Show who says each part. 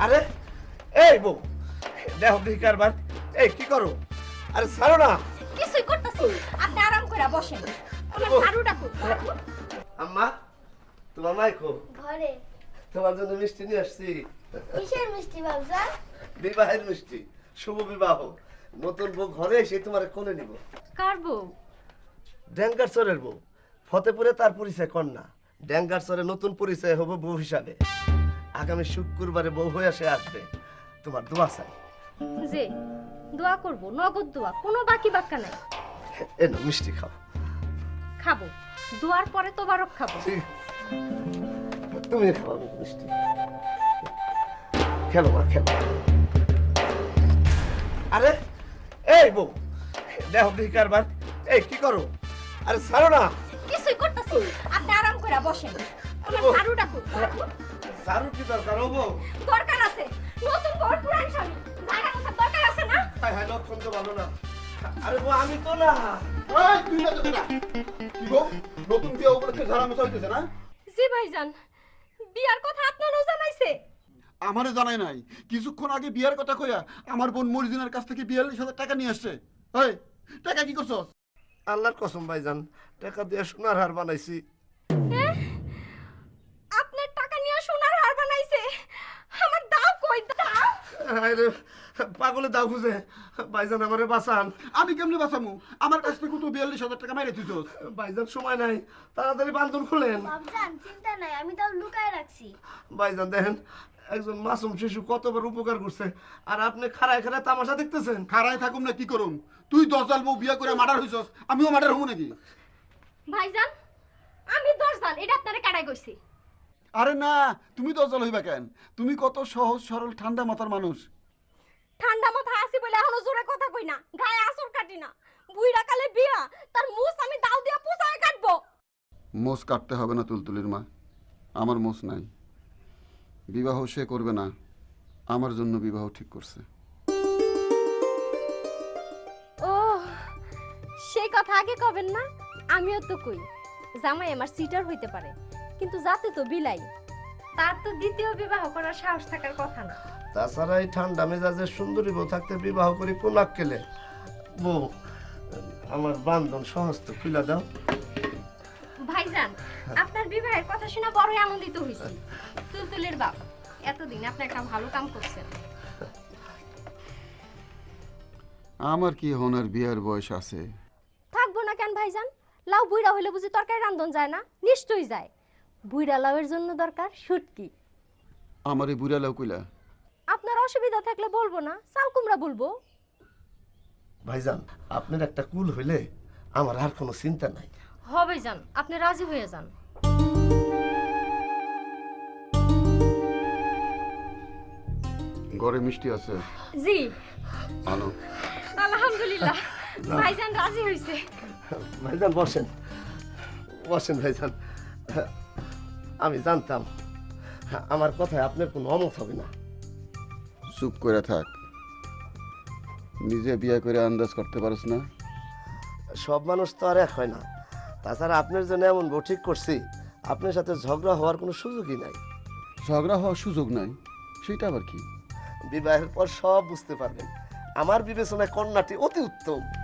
Speaker 1: আরে এই বউ, দেখো দেখি কারবার। এই কি করো? আরে ছাড়ো না।
Speaker 2: কিছুই করতেছি, আপনি আরাম করে বসেন। আমার ঝাড়ুটা কই?
Speaker 1: আম্মা, তোমার মাইকো
Speaker 3: ঘরে।
Speaker 1: তোমার জন্য মিষ্টি নিয়ে আসছি।
Speaker 3: কিসের মিষ্টি বাবজান?
Speaker 1: বিবাহের মিষ্টি, শুভ বিবাহ। নতুন বউ ঘরে এসে তোমার কোলে নিব।
Speaker 2: কার বউ?
Speaker 1: ড্যাঙ্গার চরের বউ। ফতেপুরে তার পরিচয় কন্যা, ড্যাঙ্গার চরে নতুন পরিচয় হবে বউ হিসাবে। আগামী শুক্রবারে বউ হয়ে সে আসবে। তোমার দোয়া চাই।
Speaker 2: যে দোয়া করব, নগদ দোয়া, কোনো বাকি বাক্কা নাই।
Speaker 1: এনো মিষ্টি খাও।
Speaker 2: খাবো, দোয়ার পরে তোবারক খাবো।
Speaker 1: ঠিক। তুমি খাও মিষ্টি। খেলো মা, খেলো। আরে এই বউ, দেখো দেখি কারবার। এই কি করো? আরে ছাড়ো না।
Speaker 2: কিছুই করতেছি, আপনি আরাম করে বসেন। আমার ঝাড়ুটা কই?
Speaker 1: ঝাড়ু কি দরকার ও বউ?
Speaker 2: দরকার আছে, নতুন বর পুরান স্বামী, জায়গা কথা দরকার আছে না?
Speaker 1: হায় হায়, লক্ষণ তো ভালো না। আরে বউ আমি তো না।
Speaker 4: এই তুই না তো না কি গো নতুন বিয়ে উপলক্ষে ঝাড়া মশা হইতেছে না?
Speaker 2: জি ভাইজান, বিয়ার কথা আপনারও জানাইছে?
Speaker 4: আমারে জানাই নাই, কিছুক্ষণ আগে বিয়ার কথা কইয়া আমার বোন মরিজিনার কাছ থেকে 42,000 টাকা নিয়ে আসছে। এই টাকা কি করছস?
Speaker 1: আল্লাহর কসম ভাইজান, টাকা দিয়ে সোনার হার বানাইছি।
Speaker 2: আপনার টাকা নিয়ে সোনার হার বানাইছে? আমার দাও কই দাও?
Speaker 1: আরে পাগলে দাও খুঁজে। ভাইজান আমারে বাঁচান।
Speaker 4: আমি কেমনে বাঁচামু? আমার কাছ থেকে তো 42,000 টাকা মাইরে দিছস।
Speaker 1: ভাইজান সময় নাই, তাড়াতাড়ি বান্ধন খুলেন।
Speaker 3: বাবজান চিন্তা নাই, আমি তাও লুকায় রাখছি।
Speaker 1: ভাইজান দেখেন, একজন মাসুম শিশু কতবার উপকার করছে, আর আপনি খাড়ায় খাড়ায় তামাশা দেখতেছেন।
Speaker 4: খাড়ায় থাকুম না কি করুম? তুই 10 জাল বউ বিয়া করে মার্ডার হইছস, আমিও মার্ডার হবো নাকি?
Speaker 2: ভাইজান, আমি 10 জান, এটা আপনারে কাটাই কইছি।
Speaker 4: আরে না, তুমি 10 জাল হইবা কেন? তুমি কত সহজ সরল ঠান্ডা মাথার মানুষ।
Speaker 2: ঠান্ডা মাথা আছি বলে এখনো জোরে কথা কই না, গায়ে আসর কাটি না। বুইড়া কালে বিয়া, তার মুছ আমি দাও দিয়া পুষায় কাটবো।
Speaker 4: মোষ কাটতে হবে না তুলতুলির মা, আমার মোষ নাই। বিবাহ সে করবে না, আমার জন্য বিবাহ ঠিক করছে।
Speaker 2: ও, সেই কথা আগে কবেন না? আমিও তো কই, জামাই আমার সিটার হইতে পারে, কিন্তু যাতে তো বিলাই, তার তো দ্বিতীয় বিবাহ করার সাহস থাকার কথা না।
Speaker 1: তাছাড়া এই ঠান্ডা মেজাজের সুন্দরী বউ থাকতে বিবাহ করি কোন আক্কেলে? বউ, আমার বান্ধন সহস্ত খুলে দাও।
Speaker 2: ভাইজান, আপনার বিবাহের কথা শুনে বড়ই আনন্দিত হইছি। তুলতুলের বাপ, এতদিন আপনি একটা ভালো কাম করছেন।
Speaker 4: আমার কি হনার বিয়ার বয়স আছে?
Speaker 2: থাকবো না কেন ভাইজান? লাউ বুইড়া হইলে বুঝি তরকারি রান্ধন যায় না? নিশ্চয়ই যায়। বুইড়া লাউয়ের জন্য দরকার শুটকি।
Speaker 4: আমার এই বুড়া লাউ কইলা?
Speaker 2: আপনার অসুবিধা থাকলে বলবো না, চাল কুমড়া বলবো।
Speaker 1: ভাইজান, আপনার একটা কুল হইলে আমার আর কোনো চিন্তা নাই।
Speaker 2: হবে যান, আপনি রাজি হয়ে যান।
Speaker 4: ঘরে মিষ্টি আছে?
Speaker 2: জি,
Speaker 4: আনো।
Speaker 2: আলহামদুলিল্লাহ, ভাইজান রাজি হইছে।
Speaker 1: ভাইজান বসেন, বসেন ভাইজান। আমি জানতাম আমার কথায় আপনার কোনো অমত হবে না।
Speaker 4: চুপ করে থাক, নিজে বিয়ে করে আন্দাজ করতে পারস না?
Speaker 1: সব মানুষ তো আর এক হয় না। তাছাড়া আপনার জন্য এমন বউ ঠিক করছি, আপনার সাথে ঝগড়া হওয়ার কোনো সুযোগই নাই।
Speaker 4: ঝগড়া হওয়ার সুযোগ নাই, সেটা আবার কি?
Speaker 1: বিবাহের পর সব বুঝতে পারবেন। আমার বিবেচনায় কন্যাটি অতি উত্তম।